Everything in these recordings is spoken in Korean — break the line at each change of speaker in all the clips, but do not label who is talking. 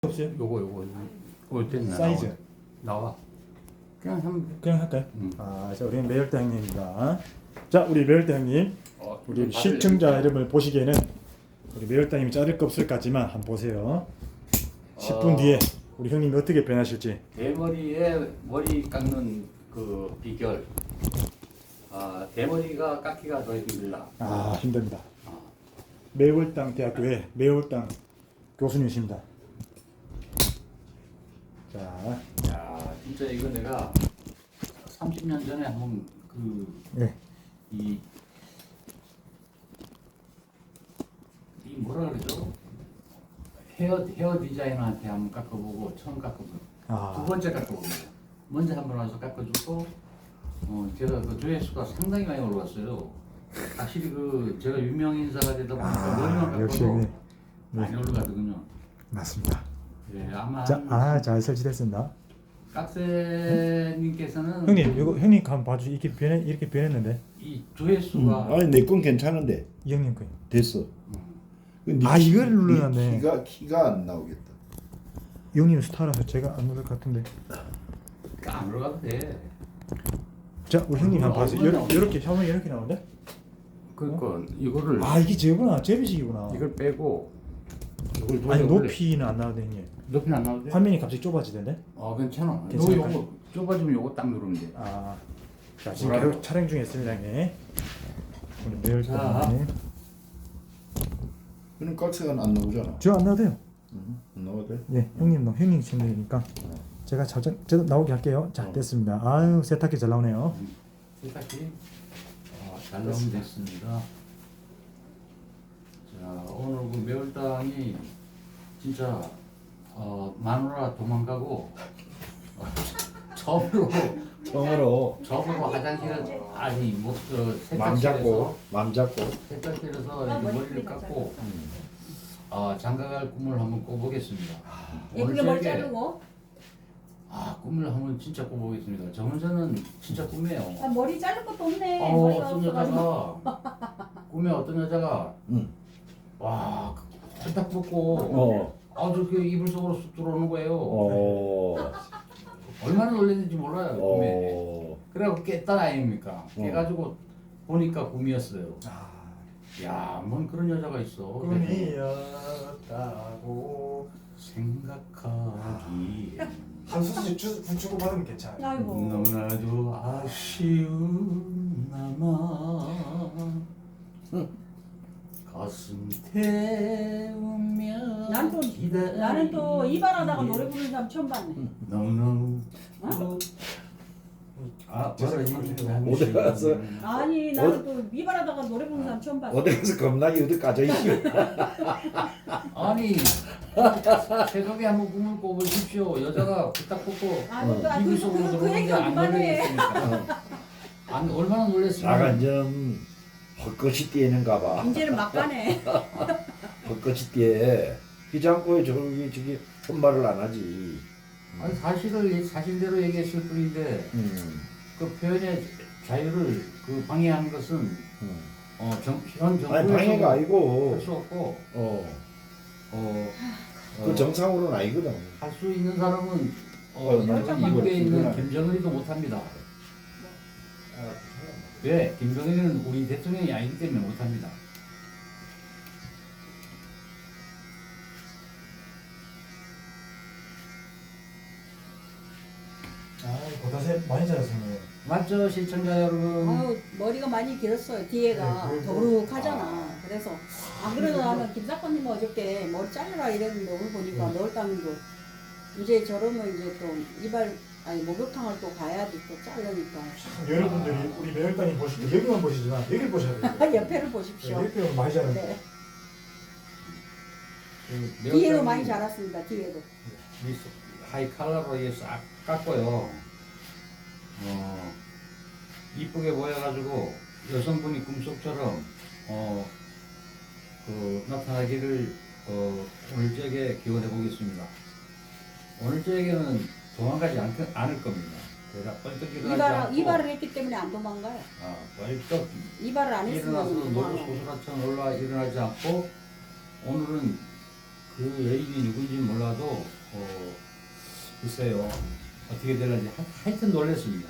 없어요?
요거 올 때는
사이즈
나와. 그냥
할까요?
음.
자 우리 매열대 형님입니다. 자 우리 매열대 형님, 우리 시청자 여러분을 보시기에는 우리 매열대 형님이 자를 거 없을까지만 한번 보세요. 10분 뒤에 우리 형님이 어떻게 변하실지.
대머리에 머리 깎는 그 비결. 대머리가 깎기가 더 힘들다.
힘듭니다. 매월당 대학교의 매월당 교수님이십니다. 자,
야, 진짜 이거 내가 30년 전에 한번 이 뭐라 그러죠? 헤어 디자이너한테 한번 깎아보고 처음 깎아보고 두 번째 깎아보고 먼저 한번 와서 깎아주고 제가 그 조회수가 상당히 많이 올라왔어요. 확실히 그 제가 유명 인사가 되다 보니까 머리만 깎아도 많이 올라가거든요.
맞습니다.
예, 아마
잘 설치됐습니다.
깍새님께서는
형님 이거 형님 한번 봐주. 이렇게 변했는데
이 조회수가
아니 내 건 괜찮은데
이 형님 거요.
됐어.
이걸 눌러놨네.
키가 안 나오겠다.
이 형님 스타라서 제가 안 누를 것 같은데.
안 올라가도 돼.
자 우리 형님 한번 봐주세요. 이렇게 화면이 이렇게 나오는데?
그러니까 이거를
이게 저거구나. 제비식이구나.
이걸 빼고 이걸
아니 높이는 안 나오네 형님.
높이는 안 나오대?
화면이 갑자기 좁아지던데?
괜찮아.
괜찮을까?
요거 좁아지면 요거 딱 누르면 돼.
자 지금 계속 촬영 중에 있습니다 형님. 오늘 매일
자.
그럼 깍새가 안 나오잖아.
저안 나와도 돼요.
안 나와도 돼?
예, 형님 채널이니까 제가 저도 나오게 할게요. 자 됐습니다. 아유 세탁기 잘 나오네요.
세탁기 잘 나오면 됐습니다. 자 오늘 그 매월당이 진짜 마누라 도망가고 처음으로 화장실에
맘 잡고
세탁실에서 이렇게 머리를 깎고 장가갈 꿈을 한번 꿔보겠습니다.
예쁘게 머리 자르고.
꿈을 한번 진짜 꿔보겠습니다. 저 혼자는 진짜 꿈이에요.
머리 자를 것도 없네. 머리가
어떤
없어가지고.
여자가 꿈에 어떤 여자가 와 딱 벗고 저렇게 이불 속으로 쑥 들어오는 거예요. 얼마나 놀랐는지 몰라요 꿈에. 그래갖고 깼단 아닙니까? 깨가지고 보니까 꿈이었어요. 야, 뭔 그런 여자가 있어.
꿈이었다고
생각하기
한 수씩 붙이고 받으면 괜찮아요.
아이고.
너무나도 아쉬운 나만 가슴 태우며
나는 또 이발하다가 노래 부르는 사람 처음 봤네.
너무너무
어디 가서
아니 나는 또 이발하다가 노래 부르는 사람 처음 봤어.
어디 가서 겁나게 어디 까져 있어.
아니 새벽에 한번 꿈을 꿔보십시오. 여자가 딱 꽂고 이불 속으로
그
들어오는데
얘기가
안
그만해.
놀랬으니까. 얼마나 놀랬으면.
나가 좀 헛것이 뛰는가 봐.
이제는 막 가네.
헛것이 뛰어. 기장고에 저기 혼말을 안 하지.
아니 사실을 사실대로 얘기했을 뿐인데 그 표현의 자유를 그 방해하는 것은 현 정부에서
아니 방해가 아니고
할 수 없고
그 정상으로는 아니거든.
할 수 있는 사람은
나
미국에
이거
있는 김정은이도 못합니다. 왜? 김정은이는 우리 대통령이 아니기 때문에 못합니다.
고다세 많이 자랐어요.
맞죠 시청자 여러분?
아유 머리가 많이 길었어요. 뒤에가 더부룩하잖아. 그래서 안 그래도 나는 김사건님 어저께 머리 잘라라 이랬는데 오늘 보니까 매월당도 이제 저러면 이제 또 목욕탕을 또 가야지 또 자르니까.
여러분들이 우리 매일단이 보실 때 여기만 보시지만 여기를 보셔야 돼요.
옆에를 보십시오.
이렇게 보면 많이 자라요.
네.
그
뒤에도 많이 자랐습니다. 뒤에도.
하이 칼라로 싹 깎고요. 이쁘게 보여가지고 여성분이 꿈속처럼 나타나기를 오늘 저녁에 기원해 보겠습니다. 오늘 저녁에는 도망가지 않을 겁니다. 그러다 뻘떡 일어나지 않고
이발을 했기 때문에 안 도망가요.
뻘떡
이발을 안
일어나서
했으면
노고 소스라처럼 일어나지 않고 오늘은 그 여인이 누군지 몰라도 글쎄요 어떻게 될는지 하여튼 놀랐습니다.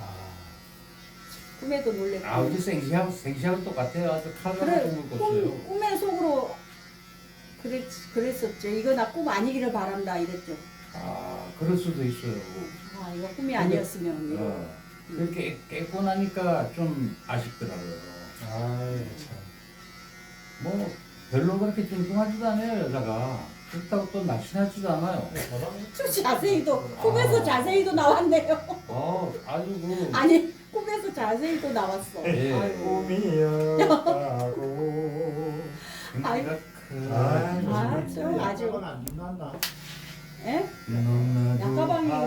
꿈에도 놀랬고.
우리 생시하고 똑같아요. 아주 칼로
그래,
꿈을 꿨어요.
꿈의 속으로 그랬었죠. 이거 나 꿈 아니기를 바란다 이랬죠.
그럴 수도 있어요.
이거 꿈이 아니었으면. 이거.
그렇게 깨고 나니까 좀 아쉽더라고요.
참.
뭐 별로 그렇게 뚱뚱하지도 않아요 여자가. 그렇다고 또 날씬하지도 않아요.
자세히도 꿈에서 자세히도 나왔네요.
아주 그
아니 꿈에서 자세히도 나왔어.
예.
아이고.
꿈이었다고.
좀 아주.
안 빛났나?
예?
너무나도
약가방이 못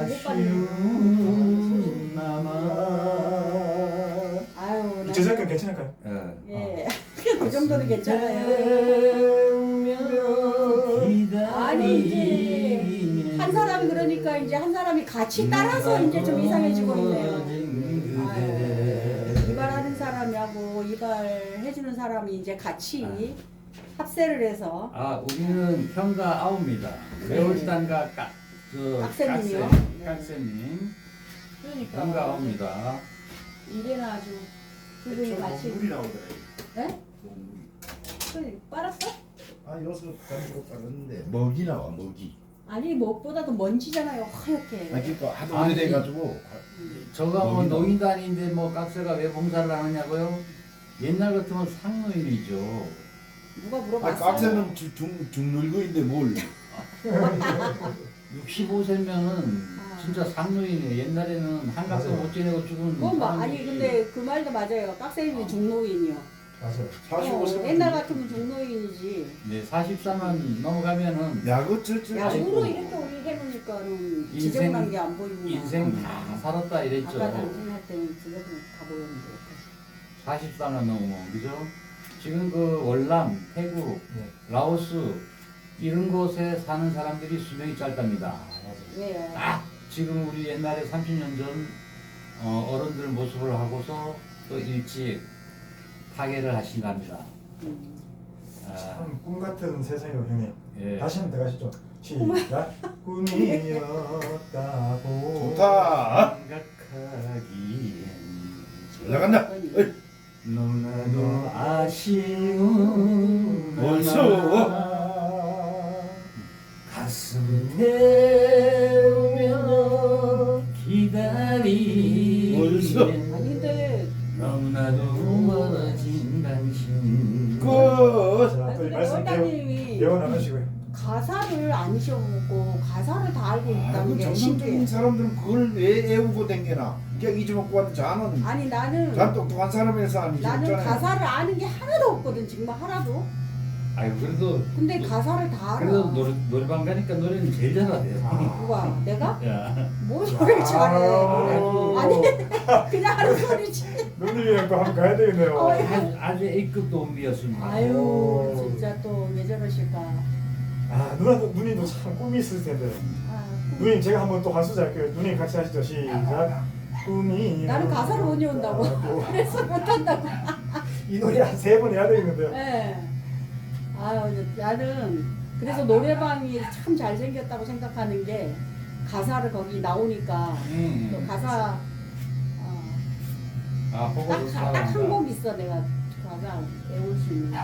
아쉬운 나만.
아유. 나-
제작권 괜찮을까요?
예. 그 정도는 괜찮아요. 아니 이제 한 사람이 그러니까 이제 한 사람이 같이 따라서 이제 좀 이상해지고 있네요. 아유, 이발하는 사람하고 이발해주는 사람이 이제 같이 합세를 해서
우리는 형과 아우입니다. 매월단과
깍새님이요?
깍새님
그러니까
형과 아우입니다.
이래는 아주 두 분이 같이.
물이 나오더라.
네? 그래 빨았어?
여기서 가지고 빠졌는데 먹이 나와 먹이.
아니 무엇보다도 먼지잖아요 하얗게.
그러니까 하도 오래돼가지고
저가 뭐
먹이 나와.
노인단인데 뭐 깍새가 왜 봉사를 하느냐고요? 옛날 같으면 상노인이죠.
누가 물어봤어?
깍새는 중늙어인데 뭘?
65세면은 진짜 상노인이에요. 옛날에는 한갑도 못 지내고 죽은
그건 뭐 아니
사람들이
근데 그 말도 맞아요. 깍새님이 중노인이요.
맞아요.
45세.
옛날 같으면 중노인이지.
네, 44만 넘어가면은
야구
야구로 이렇게 우리 해놓으니까는
인생-
지저분한 게 안 보이구나.
인생 다 살았다 이랬죠.
아까 당신 할 때는 지저분 다 보였는데.
44만 넘으면 그죠? 지금 그 월남, 태국, 라오스 이런 곳에 사는 사람들이 수명이 짧답니다.
왜요?
딱 지금 우리 옛날에 30년 전 어른들 모습을 하고서 또 일찍 파괴를 하신답니다.
참 꿈 같은 세상이요 형님.
예.
다시 한번 들어가시죠. 시작. 꿈이었다고.
좋다.
생각하기엔
올라간다. 어이.
너무나도 아쉬운
벌써?
가슴 태우며 기다리는
벌써?
아니 근데
너무나도 멀어진 당신
끝.
자, 또 말씀
원장님이
배워 나가시고요.
가사를 안 시험먹고 가사를 다 알고 있다는 게
정상적인
신기해.
사람들은 그걸 왜 애우고 댕기나? 그냥 잊어먹고 왔는데 자는
아니 나는
똑똑한 사람에서 아니지.
나는 가사를 아는 게 하나도 없거든 정말 하나도.
아유 그래도
근데 가사를 다 알아.
그래도 노래방 가니까 노래는 제일 잘하대요.
누가? 내가?
야.
뭐 노래를 잘해. 아니 그냥 하는 소리지.
누님이랑 또 한번 가야 되겠네요.
아주 A급 온비였습니다.
아유 진짜 또 왜 저러실까.
누님도 참 꿈이 있을 텐데.
아,
누님 제가 한번 또 한 소절 할게요. 누님 같이 하시죠. 시작. 꿈이.
나는 가사를 못 외운다고. 그래서 못한다고.
이 노래 한 3번 해야 되겠는데요.
네. 아유 나는 그래서 노래방이 참 잘생겼다고 생각하는 게 가사를 거기 나오니까 또 가사
보고도
딱 한 곡 있어 내가 가사 외울 수 있는.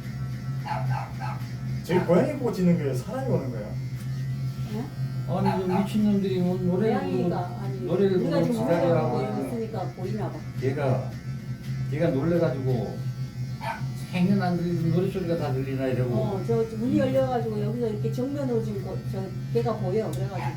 저희 고양이 보고 짓는 거예요? 사람이 오는 거예요?
네?
아니 그 미친놈들이 뭐 노래를
고양이가 아니
노래를
우리가
부르고
지금
기다리라고
우리가
하는
있으니까 보이나 봐.
걔가 놀래가지고 생년 안 들리는 노래 소리가 다 들리나 이러고
저 문이 열려가지고 여기서 이렇게 정면으로 지금 저 걔가 보여 그래가지고.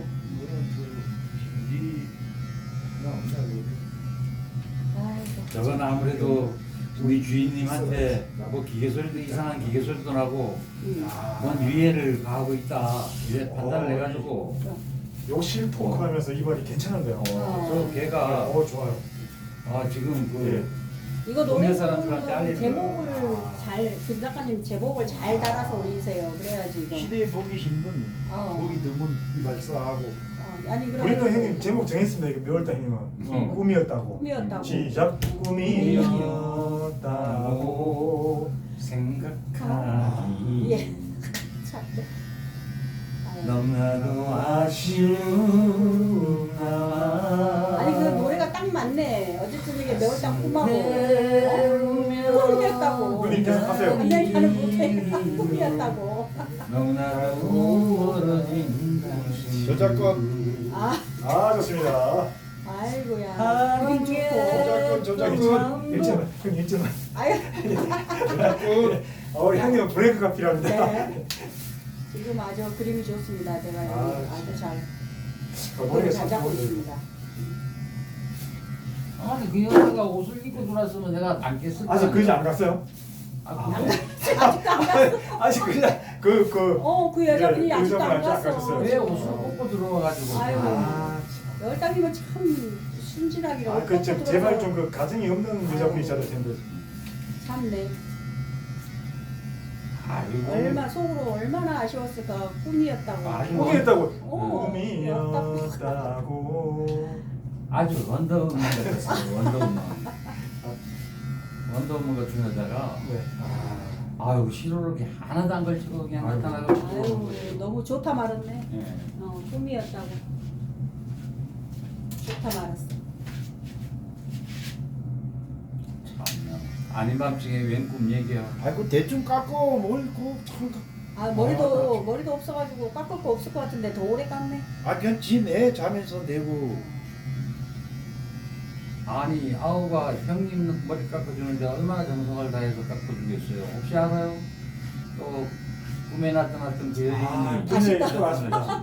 아이고.
저건 아무래도 우리 주인님한테 뭐 기계 소리도 이상한 기계 소리도 나고 뭔 유해를 가하고 있다 이래 판단을 해가지고
욕실 토크 하면서 이번이 괜찮은데요.
저 걔가
좋아요.
지금 그
이거
동네
노래
사람들한테 알리는
제목을
거야.
김 작가님 제목을 잘 달아서 올리세요. 그래야지 이거.
시대에 보기 힘든 보기 드문 이발사하고
아니 그럼
우리도 형님 제목 정했습니다. 이거 몇월달 형님은 꿈이었다고.
꿈이었다고.
시작. 꿈이었다고.
생각하기
예. 참.
너무나도 아쉬운 나와.
아니 그 노래가 딱 맞네. 어쨌든 이게 매울당 꿈하고 꿈이었다고.
누님 계속 하세요.
근데 나는 못해. 꿈이었다고.
너무나도 멀어진 당신.
저작권
아,
좋습니다.
아이고야. 그림 좋고.
저작권
일점만, 형 일점만.
아유,
저작권
우리 형님은 브레이크가 필요합니다.
네. 지금 아주 그림이 좋습니다. 제가 아주 잘
머리가
잘 잡고 있습니다.
아니 그 여자가 옷을 입고 들어왔으면 내가 안 깼을
아직 그 이제 안 갔어요?
그래?
아직도 안 갔어.
아직 그냥 그
그 여자분이
예,
아직도 안
여자분이 아직 안
갔어.
가셨어요.
왜 옷을 벗고 들어와가지고?
아유.
아,
열당이면 참 순진하기로.
그 제발 좀 그 가정이 없는 여자분이 있어야 될 텐데.
참네.
아이고.
속으로 얼마나 아쉬웠을까. 꿈이었다고.
아이고.
꿈이었다고.
어,
꿈이었다고.
아주 원더우먼 같았어요. 원더우먼. 원더우먼 같은 여자가
네.
아유 시로를 이렇게 하나도 안 걸치고 그냥 나타나가지고.
아유, 너무 좋다 말았네.
예.
꿈이었다고. 좋다 말았어.
참나. 아닌 밤중에 웬 꿈 얘기야.
아이고 대충 깎고 뭘그참
머리도 없어가지고 깎을 거 없을 것 같은데 더 오래 깎네.
그냥 지내 자면서 내고
아니 아우가 형님 머리 깎아주는데 얼마나 정성을 다해서 깎아주겠어요. 혹시 알아요? 또 꿈에 나타났던 그 여인이
꿈이 왔습니다.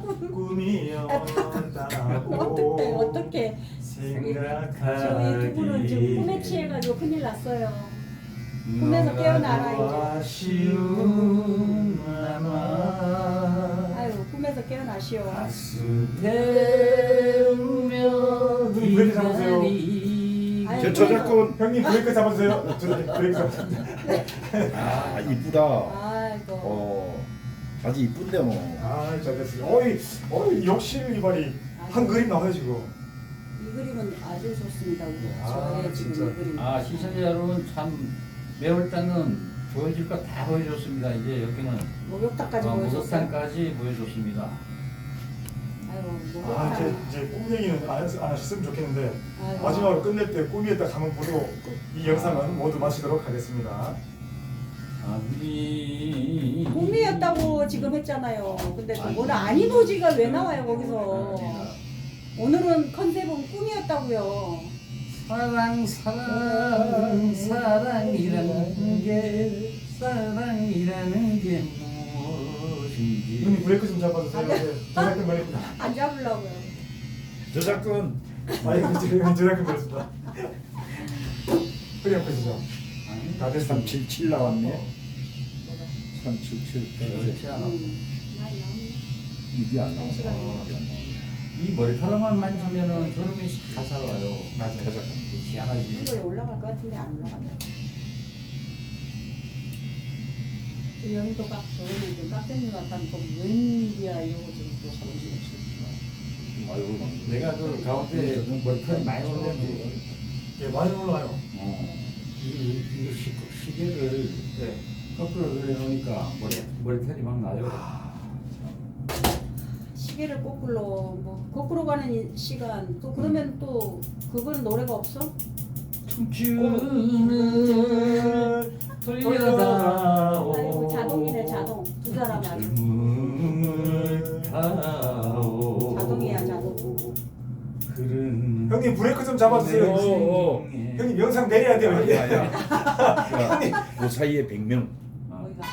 꿈이었다고.
어떻게 저희 두 분은 지금 꿈에 취해가지고 큰일 났어요. 꿈에서 깨어나라 이제.
아쉬운 나만
아유 꿈에서 깨어나시오.
가슴 태우며
눈 왜 이렇게 잡으세요?
아유,
저 저작권
형님 브레이크 잡아주세요. 브레이크 잡아주세요.
이쁘다
아이고.
아주 이쁜데 뭐
잘 됐어요. 욕실 이발이 한 그림 나와요 지금.
이 그림은 아주 좋습니다. 우리
아,
저의 지금
진짜.
이 그림.
시청자 여러분 참 매울 때는 보여줄 거 다 보여줬습니다. 이제 여기는
목욕탕까지 보여줬어요.
목욕탕까지 보여줬습니다.
아이고
아
목욕탕.
이제 꿈 얘기는 안 하셨으면 좋겠는데
아이고.
마지막으로 끝낼 때 꿈이었다 가면 보고 이 영상은 모두 마치도록 하겠습니다.
꿈이었다고 지금 했잖아요. 근데 또 오늘 아닌 오지가 왜 나와요 거기서? 오늘은 컨셉은 꿈이었다고요.
사랑이라는 게 무엇인지.
눈이 브레이크 좀 잡아주세요. 저작권 걸립니다.
안 잡으려고요.
저작권
저작권 걸렸습니다. 그냥 보시죠. 다 됐습니다.
377 나왔네 377
그렇지 않아.
많이 나오네.
이게 안 나와
이 머리카락만 만지면은 저놈이 다 살아요.
맞아요.
희한하지.
이거에 올라갈 것 같은데 안 올라간다. 여기도 깍, 저기는 좀 깍쟁이 같다는 거 웬일이야 이거 지금 또
내가 그 가운데 머리카락이 많이 올라오는데
예, 많이 올라와요.
이 시계를
네.
거꾸로 그려놓으니까 머리털이 막 나요.
시계를 거꾸로 뭐 거꾸로 가는 시간 또 그러면 또 그거는 노래가 없어?
춤추는 돌려다오.
아이고 자동이네 자동 두 사람 아주
젊음을 타오.
자동이야 자동.
그런
형님 브레이크 좀 잡아주세요. 형님 영상 내려야 돼요.
그 사이에 100명
뭐이가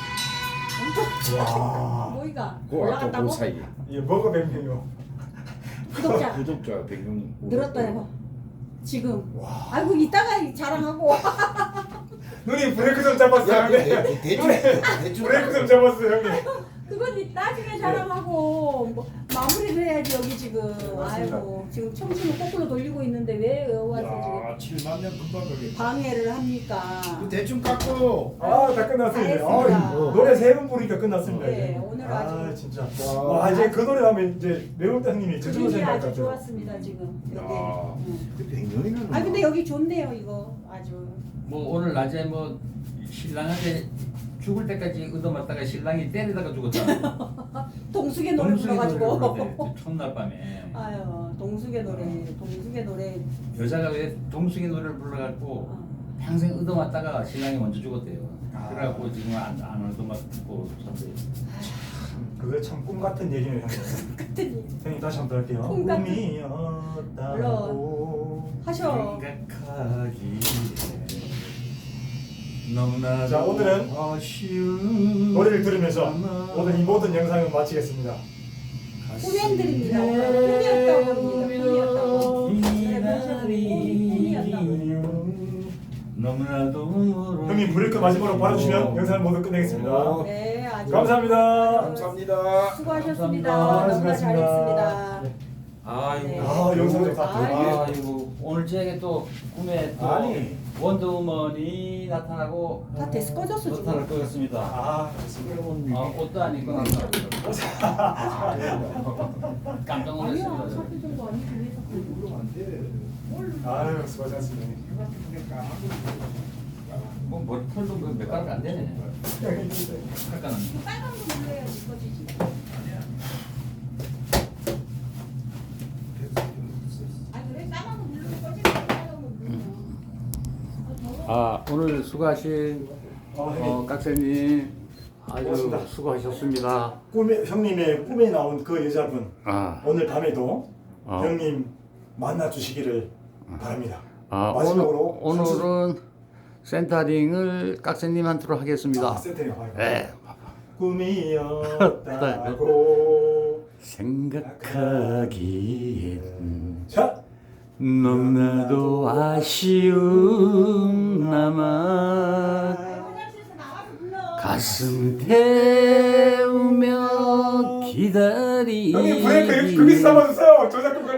와.
뭐이가
그 아까
올라갔다고?
그 사이에
예, 뭐가 100명이요?
구독자
구독자 100명
늘었다 해봐 지금. 아이고 이따가 자랑하고.
눈이 브레이크 좀 잡았어요.
야,
형님.
대충
브레이크 좀 잡았어요, 형님.
그건 나중에 자랑하고 뭐, 마무리를 해야지 여기 지금.
맞습니다.
아이고 지금 청춘을 거꾸로 돌리고 있는데 왜 와서
야 7만 명 금방
지금
걸리네
방해를 합니까?
대충 깎고
다 끝났습니다.
잘했습니다.
노래 3번 부르니까 끝났습니다.
네,
이제.
오늘 아주.
진짜. 와, 이제 그 노래 하면 이제 매울때 형님이 저절로
그림이
생각할
아주
것 같아요.
좋았습니다 지금.
야.
여기. 응.
100명이나
아 근데 여기 좋네요 이거 아주.
뭐 오늘 낮에 뭐 신랑한테 죽을 때까지 얻어맞다가 신랑이 때리다가 죽었잖아.
동숙의 노래 불러가지고.
첫날 밤에
아유 동숙의 노래
여자가 왜 동숙이 노래를 불러갖고 평생 얻어맞다가 신랑이 먼저 죽었대요. 그래갖고 지금 안 얻어맞고 산대.
그거 참 꿈 같은 얘기네요.
같은
형님 다시 한번 더 할게요.
꿈 같은-
꿈이었다고.
하셔.
생각하기에 너무나도
자, 오늘은
아쉬운
노래를 들으면서 오늘 이 모든 영상을 마치겠습니다.
꿈엔드립니다. 꿈이었다고 합니다. 꿈이었다고.
너무나도
형님 브레이크 마지막으로 봐주시면 영상을 모두 끝내겠습니다.
네, 아주
감사합니다.
감사합니다.
수고하셨습니다.
감사합니다.
너무나 잘했습니다.
아이고
네.
아, 영상 좀 다.
아이고 오늘 저에게 또 꿈에 또
아니.
원더우먼이 나타나고
다 데스 꺼졌어, 지금.
나타날 거였습니다.
아, 그렇습니다.
옷도 안 입고 나타났어요. 깜짝
아니야,
놀랐습니다.
사표 정도 아니고 왜 자꾸
아유, 수고하셨습니다.
뭐 머리털도 몇 가닥 안 되네. 약간은.
빨간 거 눌러야지 꺼지지. 아 그래? 까만 거 누르면 꺼지지. 빨간 거 누르면.
아 오늘 수고하신 깍새님 아주
고맙습니다.
수고하셨습니다.
꿈에 형님의 꿈에 나온 그 여자분
아,
오늘 밤에도
어.
형님 만나 주시기를 바랍니다.
아
마지막으로
오늘은 센터링을 깍새님한테로 하겠습니다.
세팅이 봐요.
네.
꿈이었다고.
생각하기엔
자,
너무나도 아쉬운 나만
화장실에서 나와서 불러.
가슴 태우며 기다리
형님 브레이크 여기 거기서 잡아주세요. 저 자꾸